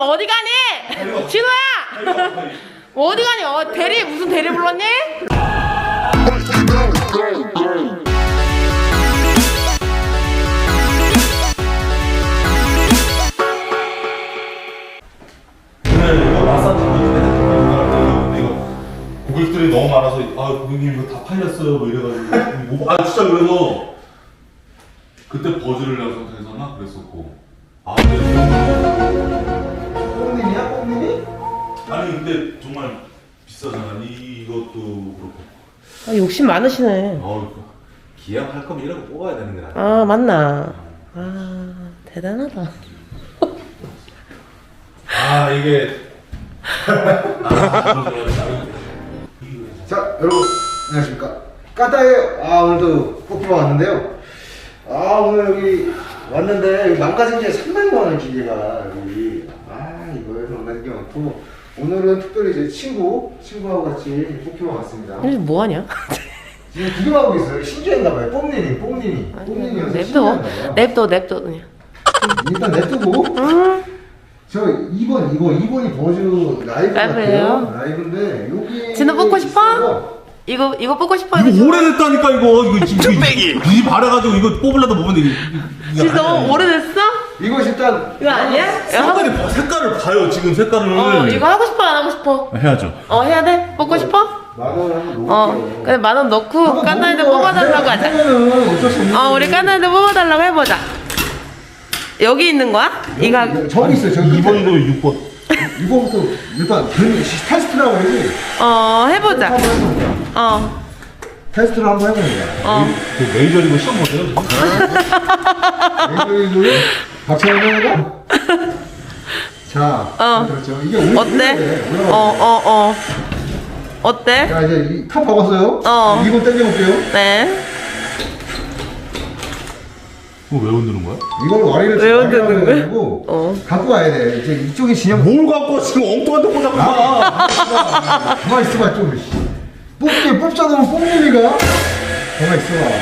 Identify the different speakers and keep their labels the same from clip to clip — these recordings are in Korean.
Speaker 1: 어디 가니? 진호야! 어디 가니? 대리 무슨 대리 불렀니?
Speaker 2: 이거 마사지 이거 고객들이 너무 많아서 고객님 이거 다 팔렸어요 뭐 이래가지고 진짜 그래서 그때 버즈를 내가 선택해서나 그랬었고
Speaker 3: 뽕님이야? 뽕님이?
Speaker 2: 아니 근데 정말 비싸잖아 이것도 그렇고
Speaker 1: 욕심 많으시네.
Speaker 4: 기왕할 거면 이런 거 뽑아야 되는 거야.
Speaker 1: 아 맞나. 대단하다.
Speaker 2: 이게
Speaker 3: 자, 여러분 안녕하십니까? 까따예요. 오늘도 뽑기로 왔는데요. 오늘 여기 왔는데 여기 망가진 게 300만 원 기계가 여기 이거에서 망가진 게 많고 오늘은 특별히 제 친구하고 같이 뽑기로 왔습니다.
Speaker 1: 근데 뭐하냐?
Speaker 3: 지금 구경하고 있어요. 신기한가봐요. 뽕님이
Speaker 1: 냅둬 그냥.
Speaker 3: 일단 냅두고 저 2번이 버즈 라이브
Speaker 1: 라이브예요?
Speaker 3: 같아요. 라이브인데 여기
Speaker 1: 진호 뽑고 싶어?
Speaker 3: 있어요.
Speaker 1: 이거 뽑고 싶어?
Speaker 2: 이거 오래됐다니까 이거 지금 비 바래가지고 이거 뽑으려다 보면
Speaker 1: 진짜 너무 오래됐어?
Speaker 3: 이거 일단
Speaker 1: 이거 아니야?
Speaker 2: 색깔을 봐요 지금 색깔을
Speaker 1: 이거 하고 싶어 안 하고 싶어?
Speaker 2: 해야죠.
Speaker 1: 해야 돼? 뽑고 싶어?
Speaker 3: 만원 한번 넣을게요.
Speaker 1: 그래 10,000원 넣고 깐나이들 뽑아달라고 하자.
Speaker 3: 하면은 어쩔 수 없는
Speaker 1: 우리 깐나이들 뽑아달라고 해보자. 여기 있는 거야? 이거
Speaker 3: 저기 있어요. 저기
Speaker 2: 2번이고 6번.
Speaker 3: 이거부터 일단 테스트라고 해야지.
Speaker 1: 해보자.
Speaker 3: 테스트를 한번 해봅니다.
Speaker 2: 그 메이저리그 시험 보세요.
Speaker 3: 메이저리그 박찬호가 자, 그렇죠. 이게
Speaker 1: 어때? 어때?
Speaker 3: 자, 이제 탑 박았어요. 2번 당겨볼게요.
Speaker 1: 네.
Speaker 2: 그거 왜 흔드는 거야?
Speaker 3: 이걸 와리를
Speaker 1: 왜 흔드는 거야?
Speaker 3: 거야? 갖고 와야 돼. 이제 이쪽이 진영.
Speaker 2: 뭘 갖고 지금 엉뚱한 데 꽂아봐.
Speaker 3: 가만 있어봐 좀. 뽑자 놓으면 뽕님이가. 가만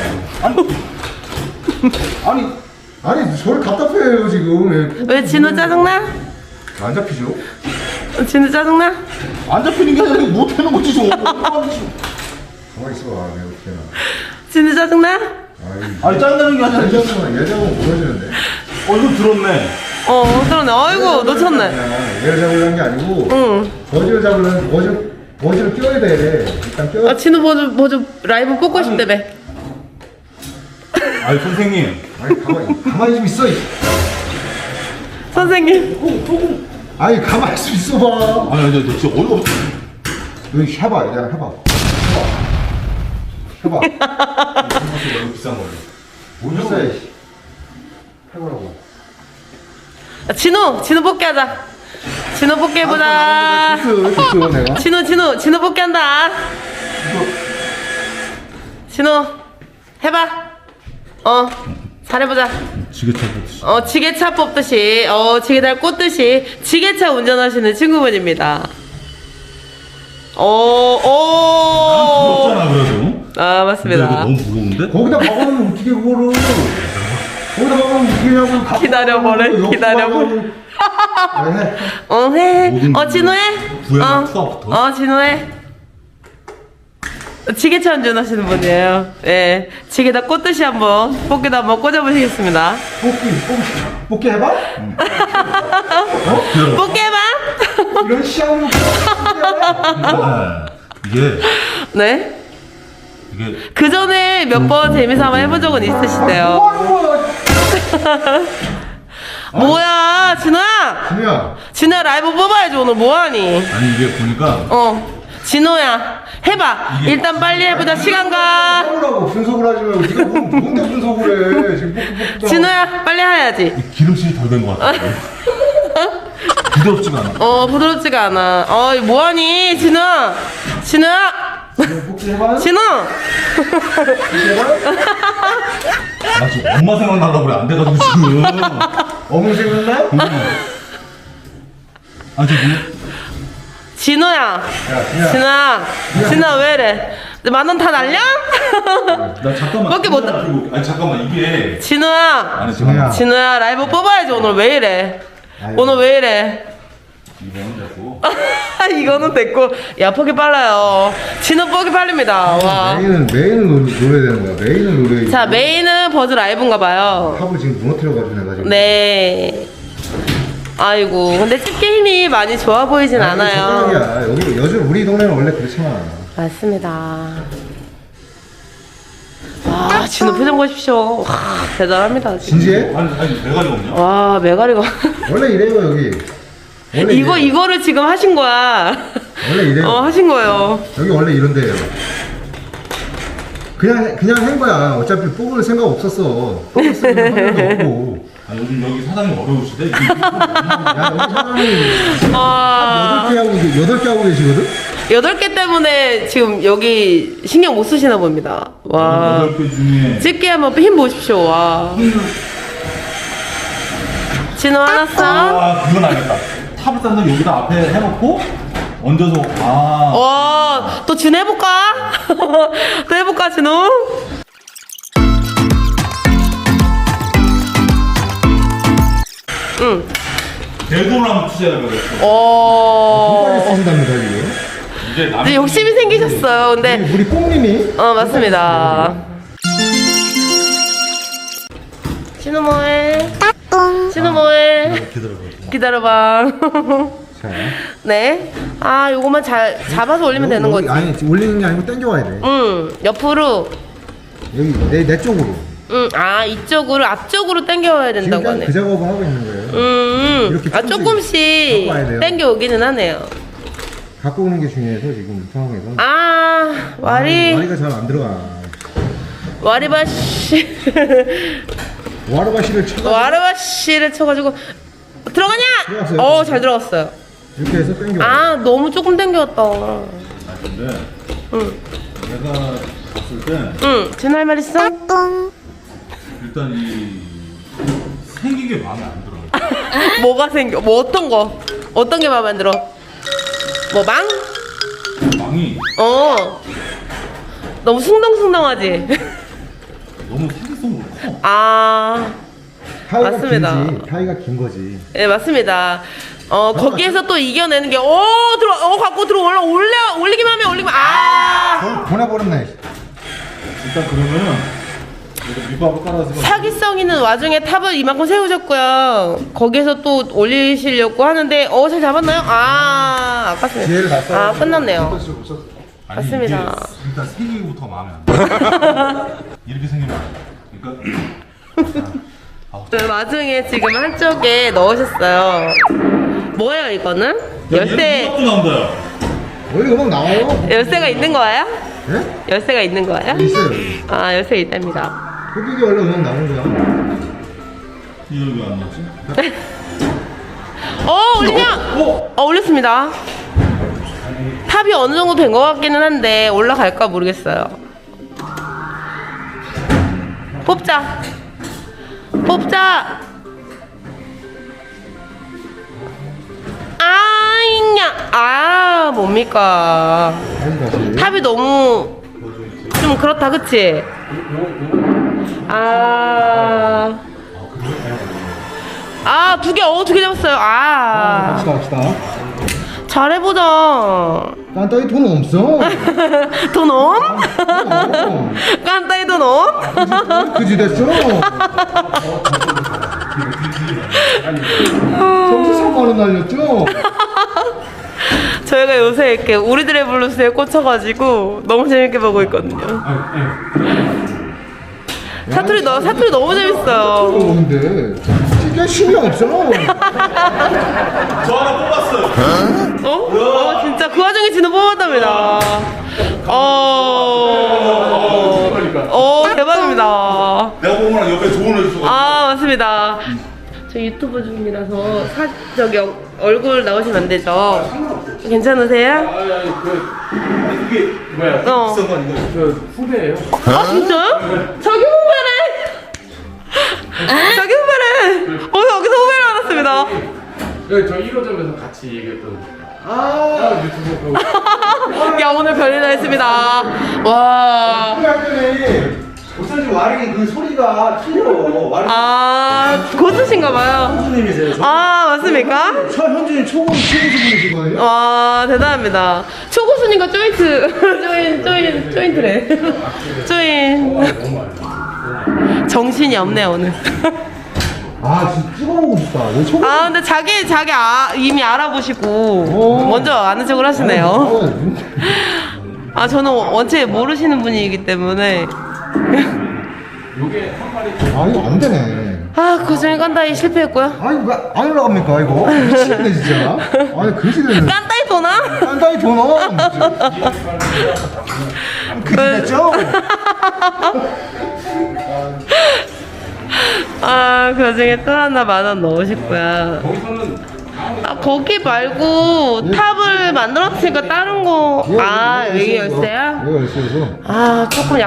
Speaker 3: 있어봐. 아니 저를 답답해요 지금.
Speaker 1: 왜 진호 짜증나?
Speaker 3: 안 잡히죠?
Speaker 1: 진호 짜증나?
Speaker 2: 안 잡히는 게 아니라 못하는 거지 지금.
Speaker 3: 가만 있어봐. 내가 어떻게 나.
Speaker 1: 진호 짜증나?
Speaker 2: 아니 짜증나는 게 아니라
Speaker 3: 예전은 보여주는데.
Speaker 2: 이거 들었네.
Speaker 1: 그러네. 아이고 놓쳤네.
Speaker 3: 얘를 잡으려는 게 아니고.
Speaker 1: 응.
Speaker 3: 버즈를 잡으려면 버즈를 껴야 돼. 일단 껴.
Speaker 1: 진호 버즈 라이브 뽑고 싶다며.
Speaker 2: 아니 선생님.
Speaker 3: 가만히 좀 있어.
Speaker 1: 선생님.
Speaker 3: 가만히 좀 있어봐.
Speaker 2: 아니 너 진짜 어이가 없어.
Speaker 3: 여기 해봐.
Speaker 2: 너무 비싼 거예요.
Speaker 3: 뭐냐고. 해보라고.
Speaker 1: 진호 뽑기 하자. 진호 뽑기 해보자.
Speaker 3: 됐어 내가.
Speaker 1: 진호 뽑기 한다. 진호 해봐. 잘해보자.
Speaker 2: 지게차 뽑듯이.
Speaker 1: 지게차 뽑듯이, 지게차를 꽂듯이 지게차 운전하시는 친구분입니다.
Speaker 2: 부럽잖아 그래도.
Speaker 1: 맞습니다.
Speaker 2: 이거 너무 부러운데?
Speaker 3: 거기다 박아놓으면 어떻게 그거를. 거기다 박아놓으면 어떻게 하냐고.
Speaker 1: 기다려보래. 해. 진호해.
Speaker 2: 부여가 투하부터.
Speaker 1: 진호해. 지게차 운전하시는 분이에요. 예. 지게다 꽂듯이 한번 뽑기도 한번 꽂아보시겠습니다.
Speaker 3: 뽑기 해봐?
Speaker 1: 뽑기 해봐.
Speaker 3: 이런 시험으로
Speaker 2: 이게
Speaker 1: 네. 그 전에 몇 번 재미삼아 해본 적은 있으시대요. 뭐야, 진호야. 진호야 라이브 뽑아야지 오늘 뭐하니?
Speaker 2: 아니 이게 보니까
Speaker 1: 진호야 해봐. 일단 빨리 해보자. 시간 가.
Speaker 3: 해보라고. 분석을 하지 말고 네가 뭔데 분석을 해. 지금 뽑기.
Speaker 1: 진호야 빨리 해야지.
Speaker 2: 기름칠이 덜 된 것 같아. 부드럽지가 않아.
Speaker 1: 부드럽지가 않아. 이거 뭐하니 진호야.
Speaker 3: 뽑기 해봐.
Speaker 1: 진호.
Speaker 2: 나 지금 엄마 생각나려고 그래. 안 돼가지고 지금.
Speaker 3: 어머 생각나?
Speaker 2: 지금
Speaker 1: 진호야. 진호야 왜 이래? 10,000원 다 날려?
Speaker 2: 나 잠깐만.
Speaker 1: 밖에 못
Speaker 2: 아니 잠깐만 이게.
Speaker 1: 진호야.
Speaker 2: 아니 잠깐만.
Speaker 1: 진호야 라이브 뽑아야지 오늘 왜 이래? 오늘 왜 이래?
Speaker 2: 이번은 됐고.
Speaker 1: 이거는 됐고. 야, 퍽이 빨라요. 진호 퍽이 빨립니다. 와.
Speaker 3: 메인을 노려야 되는 거야. 메인을 노려야.
Speaker 1: 자, 메인은 버즈 라이브인가 봐요.
Speaker 3: 탑을 지금 무너뜨려가지고 내가 지금.
Speaker 1: 네. 아이고, 근데 집게 힘이 많이 좋아 보이진 않아요.
Speaker 3: 젓가락이야. 여기 요즘 우리 동네는 원래 그렇지만.
Speaker 1: 맞습니다. 와, 진호 표정 보십시오. 와, 대단합니다. 진짜.
Speaker 3: 진지해?
Speaker 2: 아니 메가리가 없냐?
Speaker 1: 와, 메가리가.
Speaker 3: 원래 이래요 여기. 원래 이래요.
Speaker 1: 이거를 지금 하신 거야.
Speaker 3: 원래 이래요.
Speaker 1: 하신 거예요.
Speaker 3: 여기 원래 이런데요. 그냥 한 거야. 어차피 뽑을 생각 없었어. 뽑았으면 할 일도 없고.
Speaker 2: 아 요즘 여기 사장님 어려우시대.
Speaker 3: 야 여기 사람이
Speaker 1: 와.
Speaker 3: 8개 하고 계시거든?
Speaker 1: 8개 때문에 지금 여기 신경 못 쓰시나 봅니다. 와.
Speaker 2: 8개 중에
Speaker 1: 집게 한번 힘 보십시오. 와. 진호 하나 써.
Speaker 2: 아 그건 알겠다. 탑을 싼 다음에 여기다 앞에 해놓고 얹어서
Speaker 1: 또 진 해볼까? 또 해볼까, 진호? 응.
Speaker 2: 내 돈을 한번 투자해야 되겠어.
Speaker 3: 손까지 쓰신답니다 지금.
Speaker 2: 이제
Speaker 1: 이제 욕심이 생기셨어요. 근데
Speaker 3: 우리 뽕님이
Speaker 1: 맞습니다. 진호 뭐해? 진호 뭐해? 기다려봐.
Speaker 3: 자.
Speaker 1: 네. 요거만 잘 잡아서 올리면 되는 거지.
Speaker 3: 아니 올리는 게 아니고 당겨와야 돼.
Speaker 1: 옆으로.
Speaker 3: 여기 내 쪽으로.
Speaker 1: 이쪽으로 앞쪽으로 당겨와야 된다고
Speaker 3: 지금
Speaker 1: 하네.
Speaker 3: 그 작업을 하고 있는 거예요. 이렇게
Speaker 1: 조금씩
Speaker 3: 갖고 와야 돼요.
Speaker 1: 당겨 오기는 하네요.
Speaker 3: 갖고 오는 게 중요해서 지금 이 상황에서.
Speaker 1: 와리가
Speaker 3: 잘 안 들어가.
Speaker 1: 와리바시.
Speaker 3: 와르바시를 쳐가지고
Speaker 1: 와리바시를 쳐가지고 들어가냐?
Speaker 3: 들어갔어요.
Speaker 1: 잘 들어갔어요.
Speaker 3: 이렇게 해서 당겨.
Speaker 1: 너무 조금 당겼다.
Speaker 2: 근데 내가 봤을 때
Speaker 1: 진호 할 말 있어?
Speaker 2: 일단 이 생긴 게 마음에 안 들어.
Speaker 1: 뭐가 생겨? 뭐 어떤 게 마음에 안 들어? 뭐 망?
Speaker 2: 망이
Speaker 1: 너무 숭덩숭덩하지?
Speaker 2: 너무 사기성으로 커.
Speaker 3: 타이가
Speaker 1: 맞습니다.
Speaker 3: 길지. 타이가 긴 거지.
Speaker 1: 네, 맞습니다. 거기에서 또 이겨내는 게, 갖고 올리기만 하면
Speaker 3: 보내버렸네.
Speaker 2: 일단 그러면은 이거 밑밥을 깔아서
Speaker 1: 사기성 있는 와중에 탑을 이만큼 세우셨고요. 거기에서 또 올리시려고 하는데, 잘 잡았나요? 아깝습니다.
Speaker 3: 기회를 다 써야
Speaker 1: 끝났네요.
Speaker 2: 아니,
Speaker 1: 맞습니다.
Speaker 2: 이게 일단 생기기부터 마음에 안 들어. 이렇게 생기면 안 돼. 그러니까
Speaker 1: 그 와중에 지금 한쪽에 넣으셨어요. 뭐예요, 이거는? 열쇠,
Speaker 2: 도 나온다.
Speaker 3: 원래 음악 나와요.
Speaker 1: 열쇠가 있는 거예요?
Speaker 3: 네?
Speaker 1: 열쇠가 있는 거예요?
Speaker 3: 있어요.
Speaker 1: 열쇠 있답니다.
Speaker 3: 흡입이 원래 음악 나오는 거야.
Speaker 2: 이거 왜 안 나왔지?
Speaker 1: 올리냐? 올렸습니다. 탑이 어느 정도 된 것 같기는 한데 올라갈까 모르겠어요. 뽑자. 뭡니까?
Speaker 3: 다시.
Speaker 1: 탑이 너무 좀 그렇다, 그치? 두 개 잡았어요.
Speaker 3: 갑시다.
Speaker 1: 잘해보자.
Speaker 3: 깐따이 돈 없어.
Speaker 1: 돈 엄? 깐따이 돈 엄?
Speaker 3: 그지 됐어. 정수 3만원 날렸죠?
Speaker 1: 저희가 요새 이렇게 우리들의 블루스에 꽂혀가지고 너무 재밌게 보고 있거든요. 사투리 너무 재밌어요.
Speaker 3: 근데 진짜 신경 없어.
Speaker 2: 저 하나 뽑았어요.
Speaker 1: 진짜 그 와중에 진호 뽑았답니다. 대박입니다.
Speaker 2: 내가 보면 옆에 좋은 애 있어.
Speaker 1: 맞습니다. 저 유튜브 중이라서 얼굴 나오시면 안 되죠? 괜찮으세요?
Speaker 2: 이게 뭐야?
Speaker 1: 어.
Speaker 2: 비싼 거 아닌가?
Speaker 5: 저 후배예요.
Speaker 1: 진짜요? 자기 후배래! 자기 후배래! 여기서 후배를 알았습니다.
Speaker 5: 네, 저 1호점에서 같이 얘기했던 유튜브
Speaker 1: 야, 오늘 별일 다 했습니다. 와.
Speaker 3: 할 때는 어쩐지 와링이 그 소리가 틀려. 와링.
Speaker 1: 아, 고수신가봐요.
Speaker 3: 교수님이세요.
Speaker 1: 아, 맞습니까?
Speaker 3: 현준이 초고수분이시거든요.
Speaker 1: 와, 대단합니다. 초고수님과 조인트래. 조인. 정신이 없네, 오늘.
Speaker 3: 아 진짜 찍어보고 싶다. 왜 초고수?
Speaker 1: 아, 근데 자기 이미 알아보시고 먼저 아는 척을 하시네요. 아, 저는 원체 모르시는 분이기 때문에.
Speaker 3: 아 이거 안 되네.
Speaker 1: 아, 그중에 깐다이 실패했고요.
Speaker 3: 아 이거 왜 안 올라갑니까 이거? 미치겠네 진짜. 아니 그지 되네.
Speaker 1: 깐다이 도나?
Speaker 3: 깐다이 도너. 그지 됐죠?
Speaker 1: 아, 그중에 또 하나 10,000원 넣으셨고요. 아, 거기 말고 탑을 만들었으니까 다른 거. 아, 여기 열쇠야?
Speaker 3: 여기 열쇠에서.
Speaker 1: 아,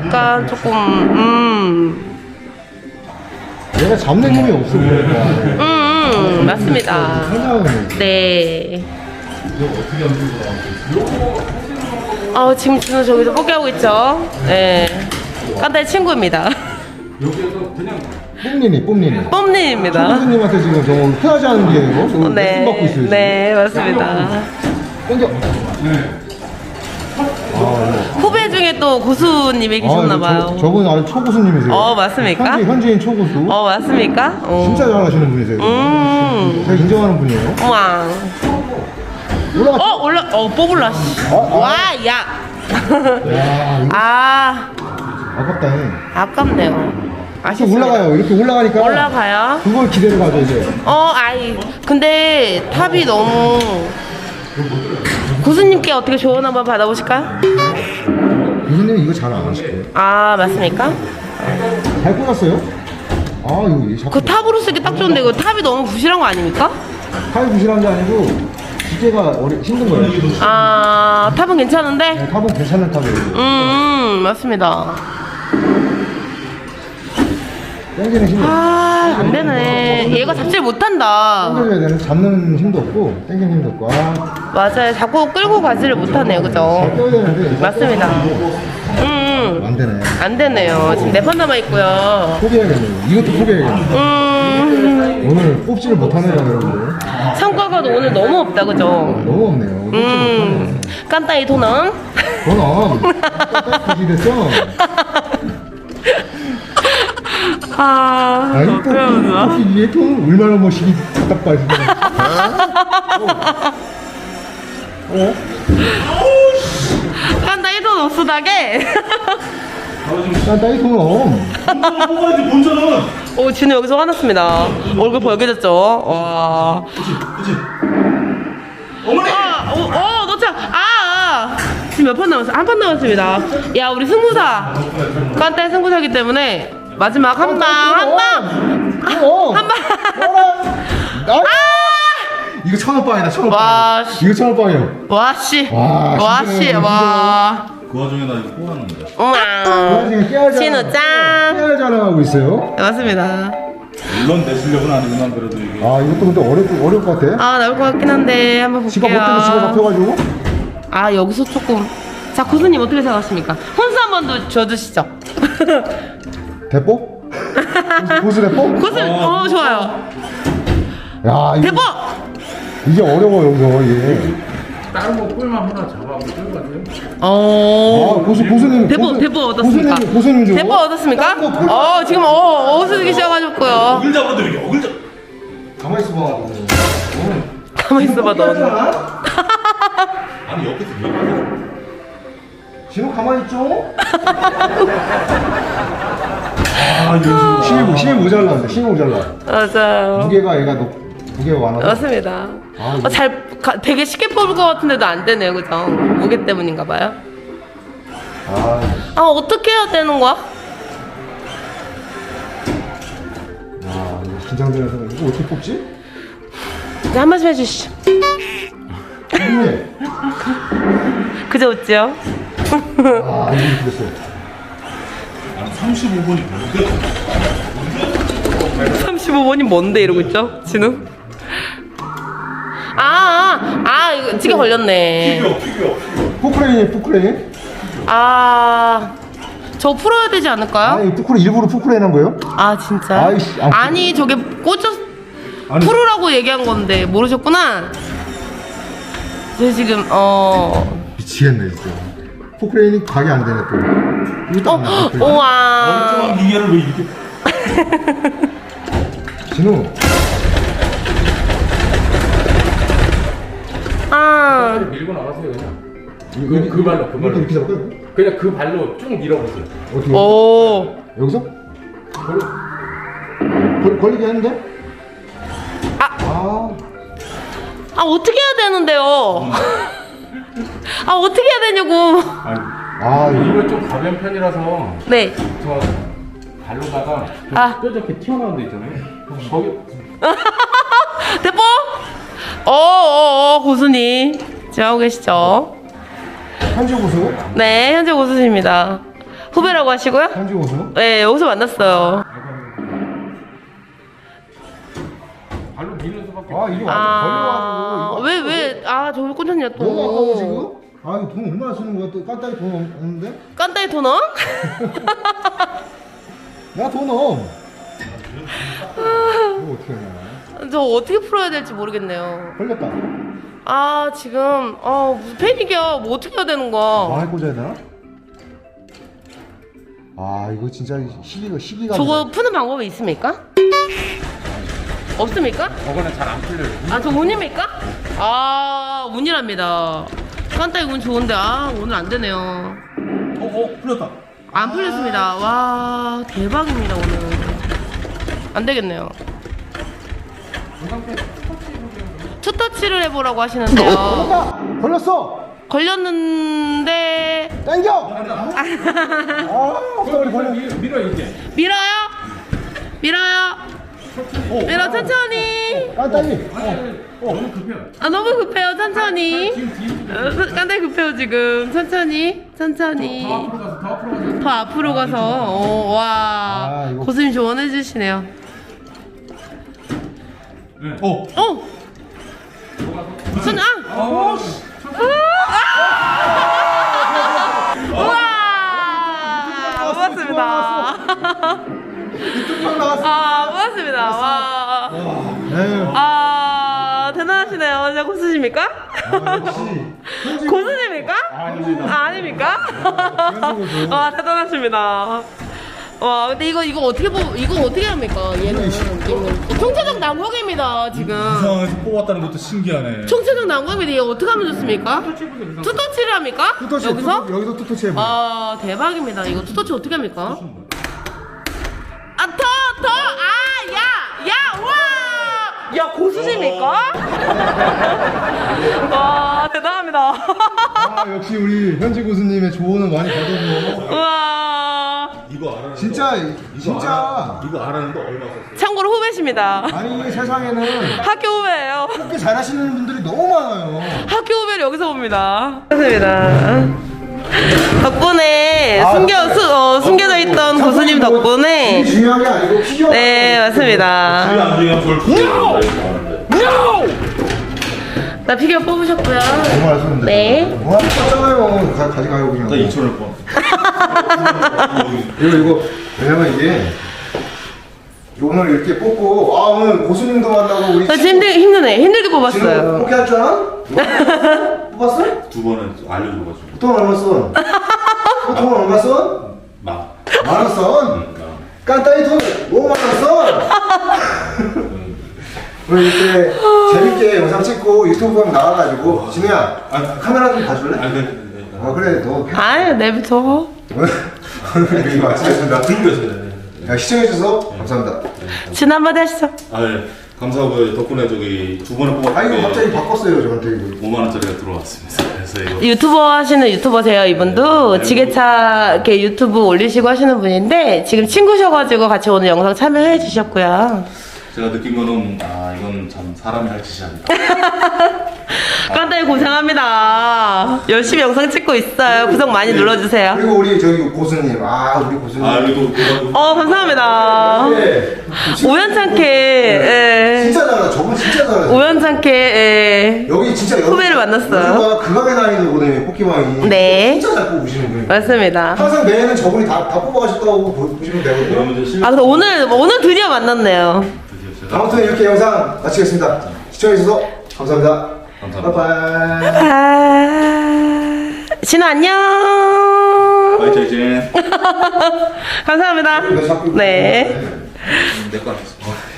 Speaker 1: 조금
Speaker 3: 얘가 잡는 힘이 없어 보니까.
Speaker 1: 맞습니다.
Speaker 3: 생각은.
Speaker 1: 네. 아, 지금 준호 저기서 포기하고 있죠? 네. 깐다의 친구입니다.
Speaker 5: 여기에서 그냥
Speaker 3: 뽐니니.
Speaker 1: 뽐님입니다.
Speaker 3: 교수님한테 지금 저 헤어지 하는 게요. 저
Speaker 1: 네.
Speaker 3: 레슨 받고 있어요. 지금.
Speaker 1: 네, 맞습니다.
Speaker 3: 땡겨.
Speaker 1: 후배 중에 또 고수님이 계셨나봐요.
Speaker 3: 저분 아주 초고수님이세요.
Speaker 1: 맞습니까?
Speaker 3: 현지인 초고수.
Speaker 1: 맞습니까?
Speaker 3: 진짜 잘하시는 분이세요. 제가 인정하는 분이에요.
Speaker 1: 우와. 뽑을라. 와, 야.
Speaker 3: 야, 이거
Speaker 1: 아,
Speaker 3: 아깝다.
Speaker 1: 아깝네요.
Speaker 3: 이렇게
Speaker 1: 아쉽습니다.
Speaker 3: 올라가요. 이렇게 올라가니까.
Speaker 1: 올라가요?
Speaker 3: 그걸 기대를 가죠 이제.
Speaker 1: 근데 탑이 너무. 고수님께 어떻게 조언 한번 받아보실까요?
Speaker 3: 교수님 이거 잘 안 하실 거예요.
Speaker 1: 아, 맞습니까?
Speaker 3: 잘 꽂았어요? 아 이거 자꾸
Speaker 1: 그 탑으로 쓰기 딱 좋은데 그 탑이 너무 부실한 거 아닙니까?
Speaker 3: 팔 부실한 게 아니고 기계가 힘든 거예요.
Speaker 1: 아, 탑은 괜찮은데?
Speaker 3: 네, 탑은 괜찮은 탑이에요.
Speaker 1: 맞습니다.
Speaker 3: 땡기는 힘이
Speaker 1: 아, 안 되네. 얘가 잡질 못한다.
Speaker 3: 땡겨줘야 되는 잡는 힘도 없고 땡기는 힘도 없고.
Speaker 1: 맞아요. 자꾸 끌고 가지를 못하네요. 그죠?
Speaker 3: 잘 껴야 되는데
Speaker 1: 맞습니다.
Speaker 3: 안 되네.
Speaker 1: 안 되네요. 지금 4판 남아있고요.
Speaker 3: 포기해야겠네요. 이것도 포기해야겠네요. 오늘 뽑지를 못하네요 여러분들.
Speaker 1: 성과가 오늘 너무 없다. 그죠?
Speaker 3: 너무 없네요. 뽑지 못하네요.
Speaker 1: 깐따이 도넌?
Speaker 3: 그럼 딱딱히 됐죠?
Speaker 1: 아,
Speaker 3: 아니 또
Speaker 1: 어떡해, 오늘.
Speaker 3: 뽑기 위해 또 얼마나 멋있게 답답하시다.
Speaker 1: 깐따이 돈 없으다게?
Speaker 3: 깐다이 그럼.
Speaker 2: 뽑아야지 본전은.
Speaker 1: 진우 여기서 화났습니다. 얼굴 벌개졌죠? 와.
Speaker 2: 그치. 어머니.
Speaker 1: 놓자. 지금 몇 판 남았어? 한 판 남았습니다. 야, 우리 승부사. 깐따이 승부사기 때문에 마지막 한 방. 한 방.
Speaker 3: 이거 1,000원빵이다 1,000원빵.
Speaker 1: 와, 씨.
Speaker 3: 이거 1,000원빵이요.
Speaker 1: 와, 씨.
Speaker 3: 와,
Speaker 1: 와, 씨.
Speaker 3: 힘드네요,
Speaker 1: 와.
Speaker 2: 그 와중에 나 이거 뽑았는데.
Speaker 1: 우와.
Speaker 3: 지금 깨알
Speaker 1: 진우 짱.
Speaker 3: 깨알 자랑하고 있어요.
Speaker 1: 네, 맞습니다.
Speaker 2: 물론 내 실력은 아니지만 그래도 이게.
Speaker 3: 아 이것도 근데 어려울 것 같아.
Speaker 1: 나올 것 같긴 한데 한번
Speaker 3: 지가 못 때문에 지가
Speaker 1: 볼게요.
Speaker 3: 잡혀가지고.
Speaker 1: 여기서 조금. 자, 고수님 어떻게 생각하십니까? 혼수 한 번 더 줘주시죠.
Speaker 3: 대포? 고수 대포?
Speaker 1: 고수, 좋아요.
Speaker 3: 야 이거
Speaker 1: 대포!
Speaker 3: 이게 어려워 여기서 이게.
Speaker 5: 다른 거 꿀만 하나 잡아보고 끌고 가세요.
Speaker 3: 고수님
Speaker 1: 대포 얻었습니까?
Speaker 3: 고수님 줘.
Speaker 1: 대포 얻었습니까? 지금 어수기 시작하셨고요.
Speaker 2: 어글 잡아도 이게 어글 잡.
Speaker 3: 가만히 있어봐.
Speaker 1: 가만히 있어봐, 너.
Speaker 2: 아니 옆에서 얘기해.
Speaker 3: 지금 가만히 있죠?
Speaker 2: 이거
Speaker 3: 힘이 모자라는데 힘이 모자라.
Speaker 1: 맞아요.
Speaker 3: 무게가 얘가 무게가 많아서.
Speaker 1: 맞습니다.
Speaker 3: 이거.
Speaker 1: 되게 쉽게 뽑을 것 같은데도 안 되네요, 그죠? 무게 때문인가 봐요. 어떻게 해야 되는 거야?
Speaker 3: 이거 긴장되는 생각. 이거 어떻게 뽑지?
Speaker 1: 이제 한 말씀 해주시죠.
Speaker 3: 이게.
Speaker 1: 그저 웃지요?
Speaker 3: 이거 그랬어.
Speaker 2: 35번이 뭔데?
Speaker 1: 35번이 뭔데 이러고 있죠? 진우? 이거 찌개 걸렸네.
Speaker 2: 피규어.
Speaker 3: 포크레인.
Speaker 1: 저 풀어야 되지 않을까요?
Speaker 3: 아니 푸크레 일부러 푸크레 해놓은 거예요?
Speaker 1: 아 진짜?
Speaker 3: 아이씨,
Speaker 1: 아니 저게 꽂혔
Speaker 3: 아니.
Speaker 1: 풀으라고 얘기한 건데 모르셨구나? 저 지금
Speaker 3: 미치겠네 진짜. 포크레인이 각이 안 되네 또. 이거 딱 나와.
Speaker 1: 우와
Speaker 2: 멀쩡한 기계를 왜 이렇게
Speaker 3: 진우.
Speaker 1: 아
Speaker 5: 밀고 나가세요 그냥. 그 발로 그 발로.
Speaker 3: 이렇게 잡을까요?
Speaker 5: 그냥 그 발로 쭉 밀어보세요.
Speaker 3: 어떻게?
Speaker 1: 오.
Speaker 3: 여기서? 걸리게 하는데?
Speaker 1: 아 어떻게 해야 되는데요? 아 어떻게 해야 되냐고.
Speaker 5: 이거 좀 가벼운 편이라서
Speaker 1: 네.
Speaker 5: 저 발로다가 뾰족하게 튀어나온 데 있잖아요. 거기
Speaker 1: 대포? 고수님 지금 하고 계시죠?
Speaker 3: 현지 고수?
Speaker 1: 네 현재 고수십니다. 후배라고 하시고요?
Speaker 3: 현지 고수?
Speaker 1: 네 여기서 만났어요.
Speaker 5: 발로 미는 수밖에.
Speaker 3: 이게 완전 걸려가지고.
Speaker 1: 왜 저기 꽂혔냐 또.
Speaker 3: 너무 아까워 지금? 이거 돈 얼마나 쓰는 거야? 또 깐딱이 돈 없는데?
Speaker 1: 깐다이 토너?
Speaker 3: 나 돈 없. 이거 어떻게 하냐?
Speaker 1: 저 어떻게 풀어야 될지 모르겠네요.
Speaker 3: 걸렸다.
Speaker 1: 지금 무슨 패닉이야. 뭐 어떻게 해야 되는 거야?
Speaker 3: 망할 꽂아야 되나? 이거 진짜 시기가.
Speaker 1: 저거 푸는 방법이 있습니까? 없습니까?
Speaker 5: 저거는 잘 안 풀려요.
Speaker 1: 저 운입니까? 운이랍니다. 깐따이 운 좋은데 오늘 안 되네요.
Speaker 2: 풀렸다.
Speaker 1: 안 풀렸습니다. 와 대박입니다 오늘. 안 되겠네요. 투터치를 해보라고 하시는데요.
Speaker 3: 걸렸어.
Speaker 1: 걸렸는데
Speaker 3: 당겨.
Speaker 5: 밀어 이제.
Speaker 1: 밀어요? 밀어 천천히.
Speaker 3: 깐딱이.
Speaker 5: 너무 급해요.
Speaker 1: 너무 급해요 천천히. 깐따이 급해요 지금. 천천히.
Speaker 5: 더 앞으로 가서.
Speaker 1: 더 앞으로 가서 와
Speaker 3: 이거.
Speaker 1: 고수님 조언해 주시네요. 우와 고맙습니다. 고맙습니다. 와 대단하시네요. 진짜 고수십니까? 고수십니까? 아닙니까? 와 대단하십니다. 와 근데 이거 어떻게 합니까? 얘는 총체적 난국입니다 지금.
Speaker 2: 이상해서 뽑았다는 것도 신기하네.
Speaker 1: 총체적 난국인데 이거 어떻게 하면 좋습니까? 투터치를 합니까?
Speaker 3: 투터치.
Speaker 1: 여기서?
Speaker 3: 여기서 투터치 해봐.
Speaker 1: 대박입니다. 이거 투터치 어떻게 합니까? 야 고수십니까? 와 대단합니다.
Speaker 3: 역시 우리 현지 고수님의 조언은 많이 받았네.
Speaker 1: 우와
Speaker 2: 이거 알았는데.
Speaker 3: 진짜.
Speaker 2: 이거 알았는데 얼마 썼어?
Speaker 1: 참고로 후배십니다.
Speaker 3: 아니 세상에는
Speaker 1: 학교 후배예요.
Speaker 3: 그렇게 잘하시는 분들이 너무 많아요.
Speaker 1: 학교 후배를 여기서 봅니다. 맞습니다. 덕분에 숨겨져 있던 고수님 덕분에
Speaker 3: 이게 중요한 게 아니고 필요.
Speaker 1: 네 맞습니다.
Speaker 2: 안 중요한 걸
Speaker 1: 나 피규어 뽑으셨고요.
Speaker 3: 정말 아쉬운데.
Speaker 1: 네.
Speaker 3: 와 떴잖아요. 가져가요 그냥.
Speaker 2: 나 2,000원 번.
Speaker 3: 이거 왜냐면 이게 오늘 이렇게 뽑고 오늘 고수님도 만나고 우리
Speaker 1: 저 힘드네. 힘들게 뽑았어요.
Speaker 3: 포기 할 줄 알아? 뽑았어?
Speaker 2: 2번은 알려줘가지고.
Speaker 3: 돈 얼마 써? 돈 얼마 써?
Speaker 2: 막.
Speaker 3: 10,000원 써? 깐따이 돈 5만원 써? 우리 이렇게 재밌게 영상 찍고 유튜브 보면 나와가지고 진우야 카메라 좀 봐줄래? 그래 너
Speaker 1: 내비둬.
Speaker 3: 여기 마치겠습니다. 시청해주셔서 감사합니다.
Speaker 1: 진 한마디 하시죠.
Speaker 2: 네. 감사하고요. 덕분에 두 번을 뽑았는데
Speaker 3: 이거 갑자기 바꿨어요 저한테 이거.
Speaker 2: 5만 원짜리가 들어왔습니다. 그래서 이거
Speaker 1: 유튜버 하시는 유튜버세요 이분도. 지게차 이렇게 유튜브 올리시고 하시는 분인데 지금 친구셔가지고 같이 오늘 영상 참여해 주셨고요.
Speaker 2: 제가 느낀 거는 이건 참 사람이 할 짓이 아니다.
Speaker 1: 근데 굉장히 고생합니다. 열심히 영상 찍고 있어요. 구독 많이 눌러주세요.
Speaker 3: 그리고 우리 저기 고수님, 우리 고수님.
Speaker 2: 여기도
Speaker 1: 감사합니다.
Speaker 3: 네.
Speaker 1: 우연찮게, 예.
Speaker 3: 진짜 잘하다. 저분 진짜 잘하다.
Speaker 1: 우연찮게, 예.
Speaker 3: 여기 진짜
Speaker 1: 후배를 만났어요.
Speaker 3: 여기가 극악의 난이도거든요, 뽑기방이.
Speaker 1: 네.
Speaker 3: 진짜 잘 뽑으시는 분이에요.
Speaker 1: 맞습니다.
Speaker 3: 항상 매해는 저분이 다 뽑아가셨다고 보시면 되거든요.
Speaker 2: 그러면 이제 실력
Speaker 1: 그래서 오늘 드디어 만났네요.
Speaker 3: 아무튼 이렇게 영상 마치겠습니다. 시청해주셔서 감사합니다.
Speaker 2: 감사합니다.
Speaker 3: 바이바이.
Speaker 1: 진우 안녕.
Speaker 2: 바이바이.
Speaker 1: 감사합니다. 네.
Speaker 4: 내거 같았어.